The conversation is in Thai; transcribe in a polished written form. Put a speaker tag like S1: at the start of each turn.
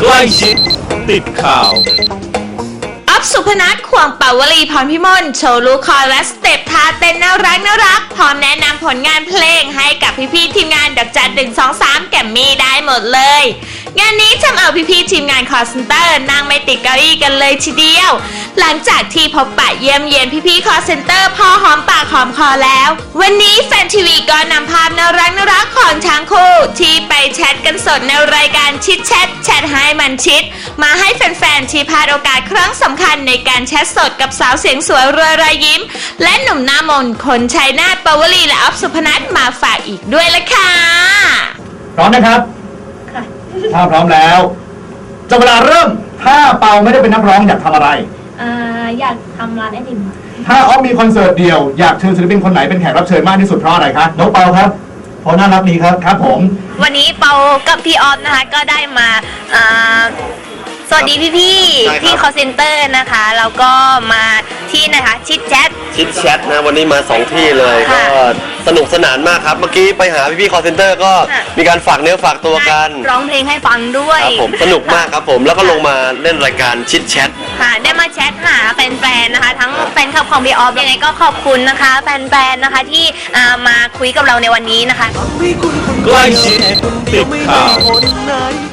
S1: ใกล้ชิดติดข่าว
S2: อัพสุพนัท ขวางปาวลีพรพิมลโชว์ลูกคอและสเต็ปท่าเต้นน่ารักพร้อมแนะนำผลงานเพลงให้กับพี่ๆทีมงานดอกจัน123แกมมี่ได้หมดเลยงานนี้ทำเอาพี่ๆทีมงานคอร์เซนเตอร์นั่งไม่ติดเก้าอี้กันเลยทีเดียวหลังจากที่พบปะเยี่ยมเยียนพี่ๆคอร์เซนเตอร์พอหอมปากหอมคอแล้ววันนี้แฟนทีวีก็นำภาพน่ารักของทั้งคู่ที่ไปแชทกันสดในรายการชิดแชทให้มันชิดมาให้แฟนๆที่พลาดโอกาสครั้งสำคัญในการแชทสดกับสาวเสียงสวยรอยยิ้มและหนุ่มหน้ามนคนชัยนาท ปาวลีและอัพสุพนัทมาฝากอีกด้วยละค่ะ
S3: พร้อมนะครับถ้าพร้อมแล้วจะเวลาเริ่มถ้าเปาไม่ได้เป็นนักร้องอยากทำอะไร
S4: อยากทำร้านไอติม
S3: ถ้าออฟมีคอนเสิร์ตเดียวอยากเชิญศิลปินคนไหนเป็นแขกรับเชิญมากที่สุดเพราะอะไรครับน้องเปาครับเพราะน่ารักดีครับครับผม
S4: วันนี้เปากับพี่ออฟนะคะก็ได้มาสวัสดีพี่ที่คอลเซ็นเตอร์นะคะแล้วก็มาที่นะคะชิดแชท
S5: นะวันนี้มา2ที่เลยก็สนุกสนานมากครับเมื่อกี้ไปหาพี่คอลเซ็นเตอร์ก็มีการฝากเนื้อฝากตัวกัน
S4: ร้องเพลงให้ฟังด้วย
S5: ครับผมสนุกมากครับผมแล้วก็ลงมาเล่นรายการชิดแชท
S4: ค่ะได้มาแชทหาแฟนๆนะคะทั้งแฟนคลับของพี่ออฟยังไงก็ขอบคุณนะคะแฟนๆนะคะที่มาคุยกับเราในวันนี้นะคะ
S1: ใกล้ชิดติดข่าว